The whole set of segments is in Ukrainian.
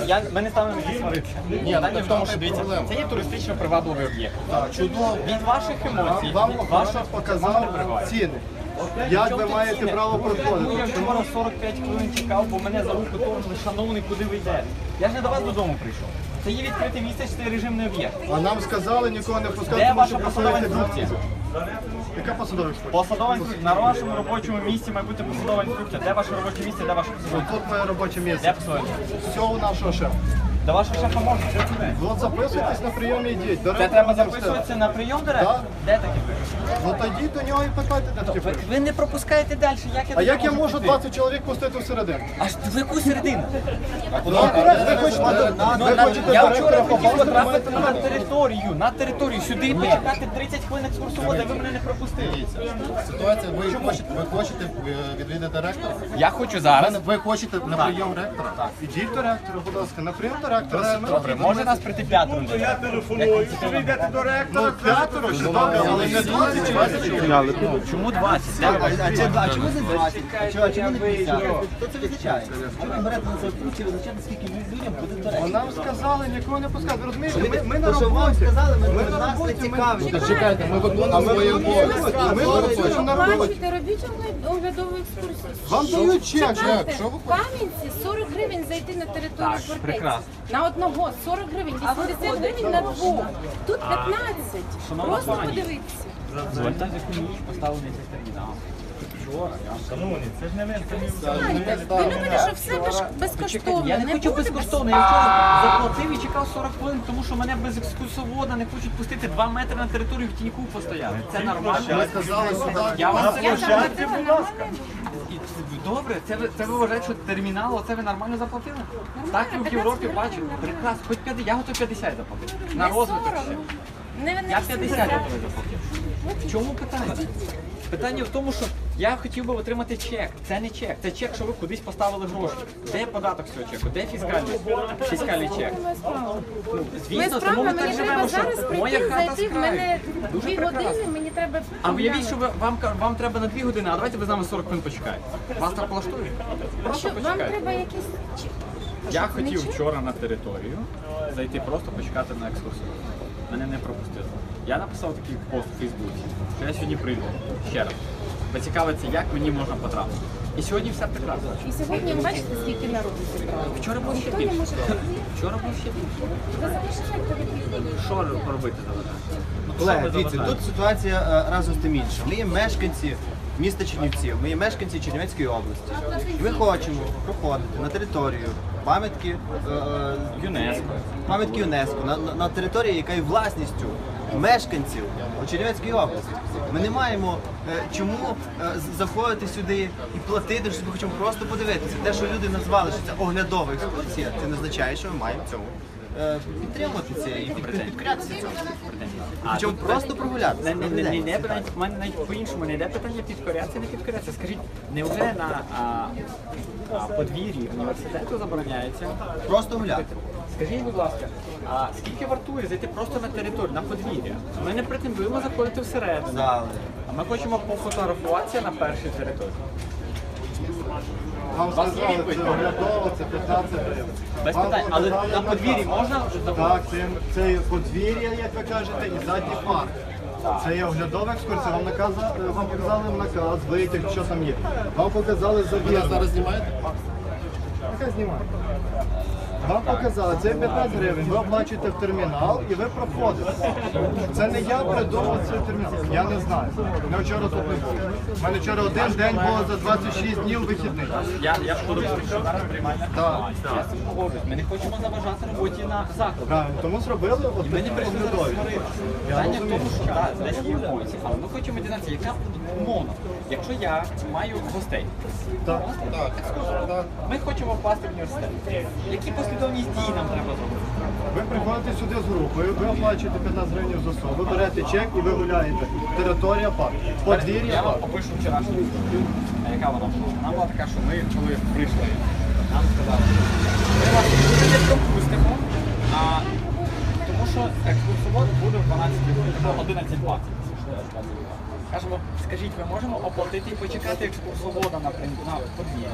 ми не ставимо їх сваритися. Питання в тому, що дивіться, це є туристично привабливий об'єкт. Чудово. Від ваших емоцій, Вам від вашого показав ціни. Як ви маєте право Ну, проходити? я вчора 45 хвилин чекав, бо мене за руку торгли, шановний, куди ви йдете? Я ж не до вас додому прийшов. Це є відкрите місце, це режимний об'єкт. А нам сказали нікого не пускати, Де тому ваша що посадова працюєте інструкція? Яка посадова інструкція? Посадова інструкція. На вашому робочому місці має бути посадова інструкція. Де ваше робоче місце, де ваше посадова інструкція? Тут моє робоче Де місце. посадова інструкція? Все у нашого шефа. До вашого шефа можна? От записуйтесь на прийом і йдіть. Це треба записуватися на прийом директора? Так. Де таке пише? Ну тоді до нього і питайте, де таке пише. Ви не пропускаєте далі, як я А як я можу можу піти? 20 чоловік пустити всередину? Аж в яку середину? Ви хочете Я директора вчора хотів попасти, потрапити маєте на територію, сюди почекати 30 хвилин екскурсовода, ви мене не пропустили. Ситуація, ви хочете відвідати ректора? Я хочу зараз. Ви хочете на прийом ректора? Так. Ідіть до ректора, будь ласка, на прийом до ректора. Добре, може нас прийти п'ятеро? Я телефоную, що ви йдете до ректора. Ну, п'ятеро ще добре, але не 20 чоловік. Чому 20? А чому не 20? А чому не 50? Хто це визначає? Чому ви берете на себе функцію визначати, скільки людям буде до А речі? нам сказали, нікого не пускати. Ви розумієте, ми на То, що вам роботі. сказали, Ми ми на нас не роботі, цікавить. Чекайте, ми виконуємо свої обов'язки. Ми працюємо на роботі. Бачите, робіть оглядову екскурсію. Вам дають чек. Чекайте, Що ви в Кам'янці 40 гривень зайти на територію фортеці. прекрасно. На одного 40 гривень, 80 гривень на двох. Тут 15. Просто подивитися. Звольте, яку ніч поставили на цей термінал. Вчора, я вам Шановні, це ж не ми, це Знаєте, ви любите, що все безкоштовно. Я не хочу буде безкоштовно, я вчора заплатив і чекав 40 хвилин, тому що мене без екскурсовода не хочуть пустити 2 метри на територію в тіньку постояти. Це нормально. Ми сказали сюди. Я вам площадці, будь ласка. Добре, це ви вважаєте, що термінал, оце ви нормально заплатили? Так ви в Європі бачите. Прекрасно, хоч 50, я готовий 50 заплатити. На розвиток ще. Не Я 50 готовий заплатити. В чому питання? Питання в тому, що я хотів би отримати чек. Це не чек. Це чек, що ви кудись поставили гроші. Де є податок з цього чеку? Де фіскальний чек? Ми Звісно, тому справа, ми мені так треба живемо, зараз що моя прийти, хата зайти, з в мене краю. 2 години, мені треба... А уявіть, що вам треба на 2 години, а давайте ви з нами 40 хвилин почекаєте. Вас так влаштує? Просто Що, вам почекайте. треба якісь... Я хотів вчора на територію зайти просто почекати на екскурсію. Мене не пропустили. Я написав такий пост у Фейсбуці, що я сьогодні прийду ще раз. Поцікавиться, як мені можна потрапити. І сьогодні все прекрасно. І сьогодні ви бачите, скільки народу зібрали? Вчора було ще Ніхто не більше. може... Вчора було ще більше. Ви залишаєте від Що робити заважає? Колеги, дивіться, тут ситуація разом з тим інша. Ми є мешканці міста Чернівців, ми є мешканці Чернівецької області. Ми хочемо проходити на територію пам'ятки ЮНЕСКО, на території, яка є власністю мешканців у Чернівецькій області. Ми не маємо чому заходити сюди і платити, що ми хочемо просто подивитися. Те, що люди назвали, що це оглядова екскурсія, це не означає, що ми маємо в цьому підтримувати це і підкорятися цьому. Хочемо просто прогулятися. У мене навіть по-іншому не йде питання підкорятися, не підкорятися. Скажіть, невже на подвір'ї університету забороняється? Просто гуляти. Скажіть, будь ласка, а скільки вартує зайти просто на територію, на подвір'я? Ми не претендуємо заходити всередину, Зали. а ми хочемо пофотографуватися на першій території. Вам Вас є сказали, відповідь? це оглядово, це 15 гривень. Без Вам питань, але показали на подвір'ї наказ. можна Так, це подвір'я, як ви кажете, і задній парк. Це є оглядова екскурсія. Вам показали наказ, витяг, що там є. Вам показали Ви завірку. зараз знімаєте? Яка знімає? Вам показали, це 15 гривень, ви оплачуєте в термінал і ви проходите. Це не я придумав цей термінал, я не знаю. Ми вчора тут не були. У мене вчора один день було за 26 днів вихідних. Я буду зараз приймальна. Так. Я з цим погоджуюсь. Ми не хочемо заважати роботі на закладі. Правильно, тому зробили от Ми не такі прийшли зараз оглядові. сварити. Питання в тому, що так, десь є емоції, але ми хочемо дізнатися, яка умовно. Якщо я маю гостей, Так. ми хочемо впасти в університет. Які послідовність дій нам треба зробити? Ви приходите сюди з групою, ви оплачуєте 15 гривень за особу, ви берете чек і ви гуляєте. Територія парк. Подвір'я Я вам парк. опишу вчорашню історію. А яка вона була? Вона була така, що ми, коли прийшли, нам сказали, ми вас не пропустимо, тому що екскурсовод буде в 12 годин, 11:20. Кажемо, скажіть, ми можемо оплатити і почекати екскурсовода на подвір'ї?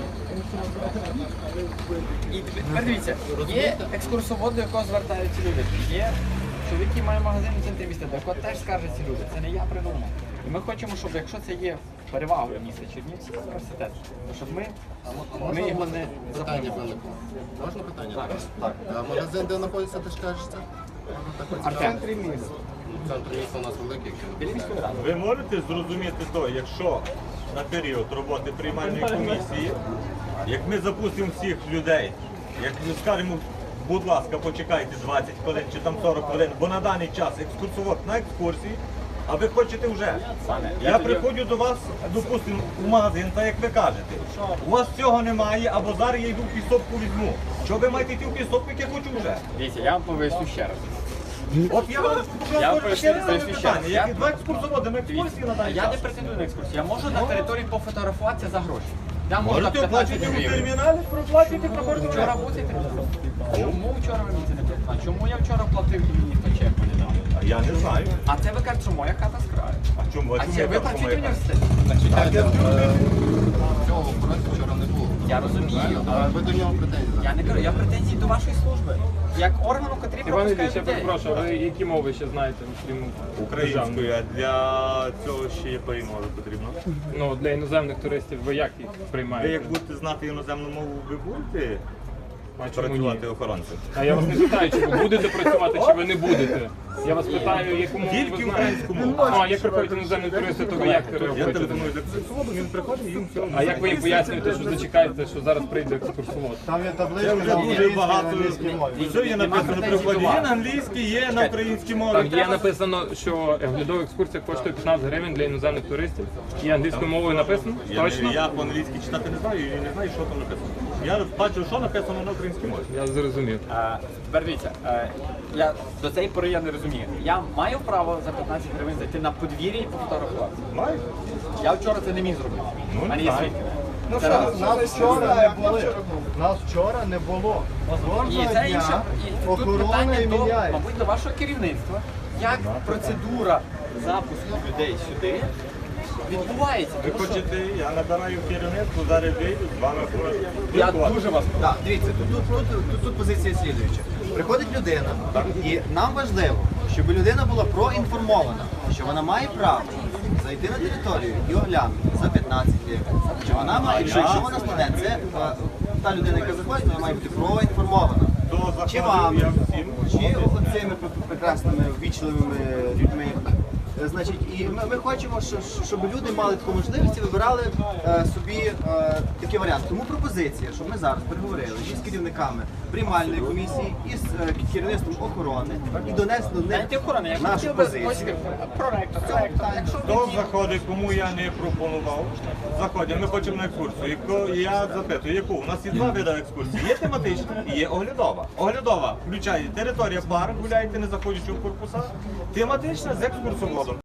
І тепер дивіться, є екскурсовод, до якого звертаються люди. Є чоловік, який має магазин у центрі міста, до якого теж скаржаться люди. Це не я придумав. І ми хочемо, щоб якщо це є перевагою міста Чернівці, університет, то щоб ми його не Питання заповнювали. виникло. Можна питання? Так. А магазин, де знаходиться, ти ж кажеш це? Артем. Центр міста у нас великий. Біля міської ради. Ви можете зрозуміти то, якщо на період роботи приймальної комісії, як ми запустимо всіх людей, як ми скажемо, будь ласка, почекайте 20 хвилин чи там 40 хвилин, бо на даний час екскурсовод на екскурсії, а ви хочете вже. Я приходжу до вас, допустимо, в магазин, так як ви кажете. У вас цього немає, або зараз я йду в пісопку візьму. Що ви маєте йти в пісопку, як я хочу вже? Дивіться, я вам поясню ще раз. От я вам поясню ще раз ще питання. раз. Як два екскурсоводи на екскурсії на даний Я не час? претендую на екскурсію. Я можу на території пофотографуватися за гроші. Я можу на Можете 15 оплатити у гривень. терміналі, проплатити проходити. Вчора був цей термінал? Чому вчора ви мені це не платили? А чому я вчора платив і мені ніхто чек не дав? А я не знаю. А це ви кажете, що моя хата з краю. А чому? А чому це я ви так працюєте в думаю? університеті? Цього охоронця вчора не було. Я розумію. А ви до нього претензії? Я не кажу, я претензії до вашої служби. Як органу, котрий Іван Ілліч, пропускає я людей. перепрошую, а ви які мови ще знаєте, крім Українською, а для цього ще якої мови потрібно? Ну, для іноземних туристів ви як їх Ви приймаєте? як будете знати іноземну мову, ви будете А чому працювати ні? охоронцем? А я вас не питаю, чи ви будете працювати, чи ви не будете. Я вас питаю, яку мову ви Тільки знаєте. українську мову. Ну, а як приходять іноземні туристи, то ви як Я реагуєте? телефоную до екскурсоводу, він приходить і їм все. А як ви їм пояснюєте, що зачекаєте, що зараз прийде екскурсовод? Там є Це табличка вже на дуже українській і на багато. англійській мові. Все є написано при вході. Є на англійській, є на українській мові. Там є написано, що оглядова екскурсія коштує 15 гривень для іноземних туристів. І англійською мовою написано? Точно? Я по-англійськи читати не знаю і не знаю, що там написано. Я бачу, що написано на українській мові. Я зрозумів. Тепер дивіться, я до цієї пори я не розумію. Я маю право за 15 гривень зайти на подвір'я і пофотографуватися. Маєш? Я вчора це не міг зробити. Ну, У мене не є знаю. свідки. Це раз. Нас вчора не були. Нас вчора не було. І Кожного це інше. дня І тут охорона питання і до, міняється. мабуть, до вашого керівництва. Як процедура запуску людей сюди відбувається? Ви Тому що хочете, я набираю керівництво, зараз вийду, з вами я дуже вас прошу. Так, дивіться, тут позиція слідуюча. Приходить людина, і нам важливо, щоб людина була проінформована, що вона має право зайти на територію і оглянути за 15 гривень. Що вона має, що якщо вона студент, це та людина, яка заходить, вона має бути проінформована. Хто Чи заходив, вами, я всім. чи оцими прекрасними, ввічливими людьми. Значить, і ми хочемо, щоб люди мали таку можливість і вибирали собі такий варіант. Тому пропозиція, щоб ми зараз переговорили із керівниками приймальної комісії, із керівництвом охорони і донесли до них Знаєте, охорона, я нашу хотів би позицію. ось проректор. Якщо Хто заходить, кому я не пропонував, заходять, ми хочемо на екскурсію. Я запитую, яку? У нас є два види екскурсії. Є тематична і є оглядова. Оглядова включає територія парк, гуляєте, не заходячи в корпуса. Тематична з екскурсоводом.